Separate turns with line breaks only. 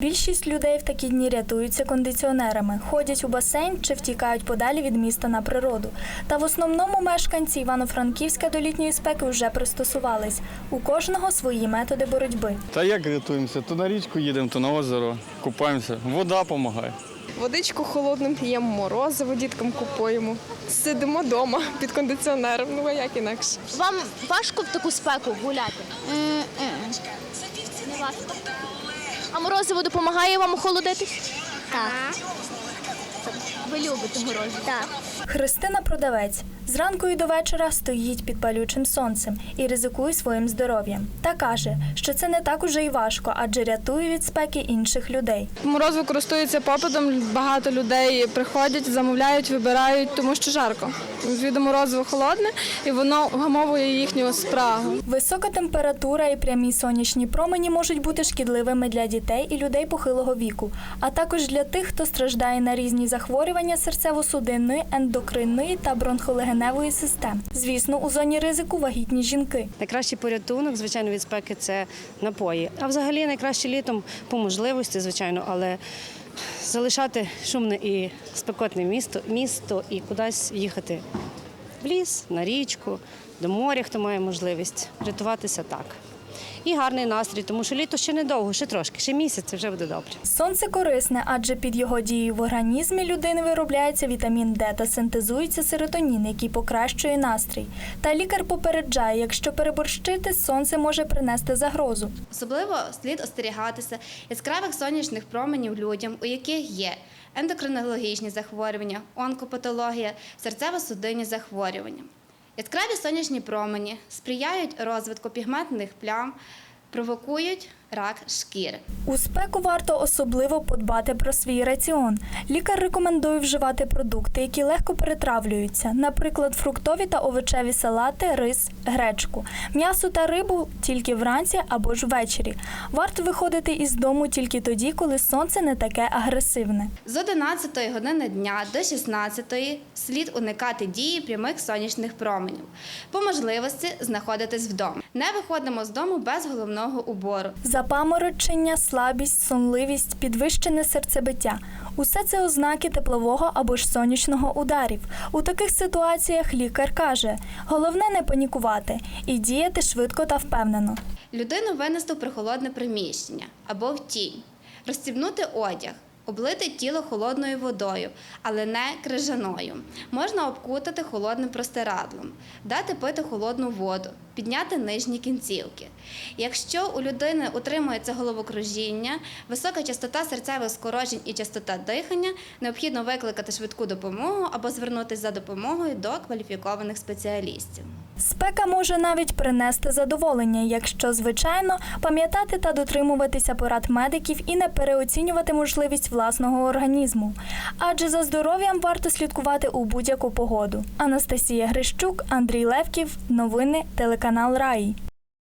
Більшість людей в такі дні рятуються кондиціонерами, ходять у басейн чи втікають подалі від міста на природу. Та в основному мешканці Івано-Франківська до літньої спеки вже пристосувались. У кожного свої методи боротьби.
Та як рятуємося? То на річку їдемо, то на озеро, купаємося. Вода допомагає.
Водичку холодним п'ємо, морозиво діткам купуємо. Сидимо вдома під кондиціонером, ну а як інакше.
Вам важко в таку спеку гуляти? Не важко. А морозиво допомагає вам охолодитись?
Так.
Ви любите морозиво?
Так.
Христина – продавець. Зранку і до вечора стоїть під палючим сонцем і ризикує своїм здоров'ям. Та каже, що це не так уже й важко, адже рятує від спеки інших людей.
Морозиво користується попитом, багато людей приходять, замовляють, вибирають, тому що жарко. Звідти морозиво холодне і воно вгамовує їхню спрагу.
Висока температура і прямі сонячні промені можуть бути шкідливими для дітей і людей похилого віку, а також для тих, хто страждає на різні захворювання серцево-судинної, ендокринної та бронхолегеневої систем. Звісно, у зоні ризику вагітні жінки.
Найкращий порятунок, звичайно, від спеки – це напої. А взагалі найкраще літом по можливості, звичайно, але залишати шумне і спекотне місто і кудись їхати в ліс, на річку, до моря, хто має можливість, рятуватися так. І гарний настрій, тому що літо ще недовго, ще трошки, ще місяць, вже буде добре.
Сонце корисне, адже під його дією в організмі людини виробляється вітамін Д та синтезується серотонін, який покращує настрій. Та лікар попереджає, якщо переборщити, сонце може принести загрозу.
Особливо слід остерігатися яскравих сонячних променів людям, у яких є ендокринологічні захворювання, онкопатологія, серцево-судинні захворювання. Яскраві сонячні промені сприяють розвитку пігментних плям, провокують рак шкіри.
У спеку варто особливо подбати про свій раціон. Лікар рекомендує вживати продукти, які легко перетравлюються, наприклад, фруктові та овочеві салати, рис, гречку. М'ясо та рибу тільки вранці або ж ввечері. Варто виходити із дому тільки тоді, коли сонце не таке агресивне.
З 11 години дня до 16 слід уникати дії прямих сонячних променів. По можливості знаходитись вдома. Не виходимо з дому без головного убору.
Запаморочення, слабість, сонливість, підвищене серцебиття – усе це ознаки теплового або ж сонячного ударів. У таких ситуаціях лікар каже, головне не панікувати і діяти швидко та впевнено.
Людину винести в прохолодне приміщення або в тінь, розстібнути одяг, облити тіло холодною водою, але не крижаною. Можна обкутати холодним простирадлом, дати пити холодну воду, підняти нижні кінцівки. Якщо у людини утримується головокружіння, висока частота серцевих скорочень і частота дихання, необхідно викликати швидку допомогу або звернутися за допомогою до кваліфікованих спеціалістів.
Спека може навіть принести задоволення, якщо, звичайно, пам'ятати та дотримуватися порад медиків і не переоцінювати можливість власного організму. Адже за здоров'ям варто слідкувати у будь-яку погоду. Анастасія Грищук, Андрій Левків. Новини телеканал Раї.